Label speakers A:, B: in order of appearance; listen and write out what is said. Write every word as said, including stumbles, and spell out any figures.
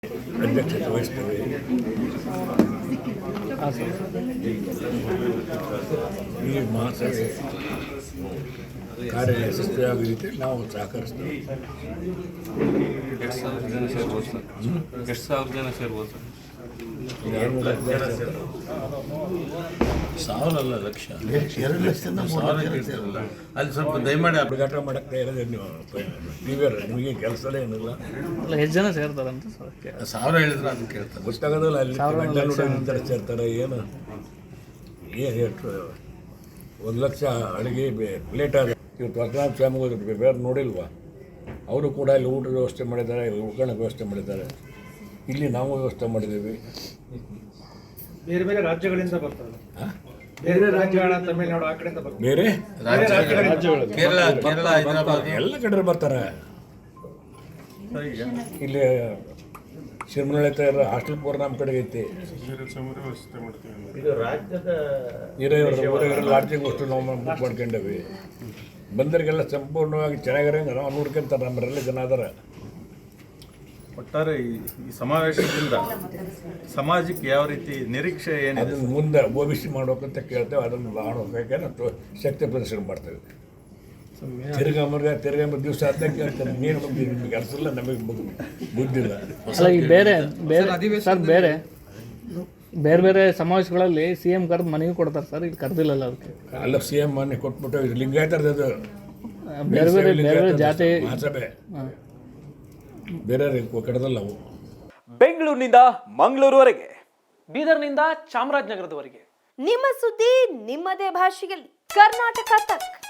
A: ಅಧ್ಯಕ್ಷತೆ ವಹಿಸ್ತೇವೆ. ಈ ಮಹಾಸಭೆ ಕಾರ್ಯ ಯಶಸ್ವಿಯಾಗುವ ರೀತಿ ನಾವು ಸಹಕರಿಸ್ತೇವೆ.
B: ಎಷ್ಟು ಸಾವಿರ ಜನ ಸೇರ್ಬೋದು ಸರ್? ಎಷ್ಟು ಸಾವಿರ ಜನ ಸೇರ್ಬೋದು ಸರ್?
C: ಸಾವಿರ ಅಲ್ಲ, ಲಕ್ಷ.
D: ಎರಡು ಲಕ್ಷದಿಂದ
C: ಅಲ್ಲಿ ಸ್ವಲ್ಪ ದಯಮಾಡಿ
A: ಹುಡುಗಾಟ ಮಾಡಕ್ಕೆ ಇರೋದೇ ನೀವು ನೀವ್ಯಾರ ನಿಮಗೆ ಕೆಲಸನೇ ಏನಿಲ್ಲ.
E: ಅಲ್ಲ ಎಷ್ಟು ಜನ ಸೇರ್ತಾರಂತ ಸರ್?
C: ಸಾವಿರ ಹೇಳಿದ್ರೆ ಅದನ್ನ ಕೇಳ್ತಾರೆ.
A: ಗೊತ್ತಾಗೋದಿಲ್ಲ ಅಲ್ಲಿ ನಂತರ ಸೇರ್ತಾರೆ. ಏನು ಏನು ಎಷ್ಟು ಒಂದು ಲಕ್ಷ ಅಡುಗೆ ಪ್ಲೇಟ್ ಆದ ಇವತ್ತು ವಸನಾಥ ಸ್ವಾಮಿ ಹೋದ್ರು ಬೇರೆ ನೋಡಿಲ್ವಾ? ಅವರು ಕೂಡ ಇಲ್ಲಿ ಊಟದ ವ್ಯವಸ್ಥೆ ಮಾಡಿದ್ದಾರೆ, ಉಳ್ಕೊಳ್ಳೋ ವ್ಯವಸ್ಥೆ ಮಾಡಿದ್ದಾರೆ. ಇಲ್ಲಿ ನಾವು ವ್ಯವಸ್ಥೆ ಮಾಡಿದ್ದೀವಿ.
F: ಬೇರೆ ಬೇರೆ ರಾಜ್ಯಗಳಿಂದ ಬರ್ತಾರೆ, ಬೇರೆ ರಾಜ್ಯಗಳ ತಮಿಳುನಾಡು ಆ ಕಡೆಯಿಂದ ಬರ್ತಾರೆ,
A: ಬೇರೆ
C: ಕೇರಳ ಕೇರಳ ಹೈದರಾಬಾದ್
A: ಎಲ್ಲ ಕಡೆ ಬರ್ತಾರೆ. ಇಲ್ಲಿ ಶಿರ್ಮನಳ್ಳಿ ಹತ್ರ ಹಾಸ್ಟೆಲ್ ಪೂರ ನಮ್ಮ ಕಡೆಗೆ ಐತಿ. ಹಿರಿಯವರು ಲಾಡ್ಜಿಂಗ್ ಅಷ್ಟು ನಾವು ಬುಕ್ ಮಾಡ್ಕೊಂಡೇವಿ. ಬಂದರಿಗೆಲ್ಲ ಸಂಪೂರ್ಣವಾಗಿ ಚೆನ್ನಾಗಿರಂಗೆ ನಾವು ನೋಡ್ಕೊಂತಾರೆ. ನಮ್ಮರೆಲ್ಲ ಜನ ಅದಾರ.
G: ಒಟ್ಟಾರೆ ಈ ಸಮಾವೇಶದಿಂದ ಸಮಾಜಕ್ಕೆ ಯಾವ ರೀತಿ ನಿರೀಕ್ಷೆ ಏನಿದೆ?
A: ಅದನ್ನು ಮುಂದೆ ಓಬಿಸಿ ಮಾಡ್ಬೇಕಂತ ಕೇಳ್ತೇವೆ. ಅದನ್ನು ಮಾಡೋಕೆ ನಾವು ಶಕ್ತಿ ಪ್ರದರ್ಶನ ಮಾಡ್ತೇವೆ. ತಿರ್ಗಂಬರ್ಗ ತಿರ್ಗಂಬ ದಿವಸ ಅಂತ ಕೇಳ್ತಾರೆ. ನೀನು ಬಂದು ನಿಮಗೆ ಕೆಲಸ ಇಲ್ಲ, ನಮಗೆ ಬುದ್ಧಿಲ್ಲ.
E: ಅಲ್ಲ ಈ ಬೇರೆ ಬೇರೆ ಸರ್ ಬೇರೆ ಬೇರೆ ಬೇರೆ ಸಮಾವೇಶಗಳಲ್ಲಿ ಸಿ ಎಂ ಕರೆದು ಮನೆಗೆ ಕೊಡ್ತಾರೆ ಸರ್, ಇಲ್ಲಿ ಕರೆದಿಲ್ಲಲ್ಲ ಅದಕ್ಕೆ.
A: ಅಲ್ಲ ಸಿ ಎಂ ಮನೆ ಕೊಟ್ಬಿಟ್ಟು ಇದು ಲಿಂಗಾಯತರದ್ದು ಅದು
E: ಬೇರೆ ಬೇರೆ ಬೇರೆ ಬೇರೆ ಜಾತಿ
A: ಮಹಾಸಭೆ ಬೇರೆ ಕಡದಲ್ಲ ಅವು.
H: ಬೆಂಗಳೂರಿನಿಂದ ಮಂಗಳೂರುವರೆಗೆ, ಬೀದರ್ನಿಂದ ಚಾಮರಾಜನಗರದವರೆಗೆ
I: ನಿಮ್ಮ ಸುದ್ದಿ ನಿಮ್ಮದೇ ಭಾಷೆಯಲ್ಲಿ ಕರ್ನಾಟಕ ತಕ್.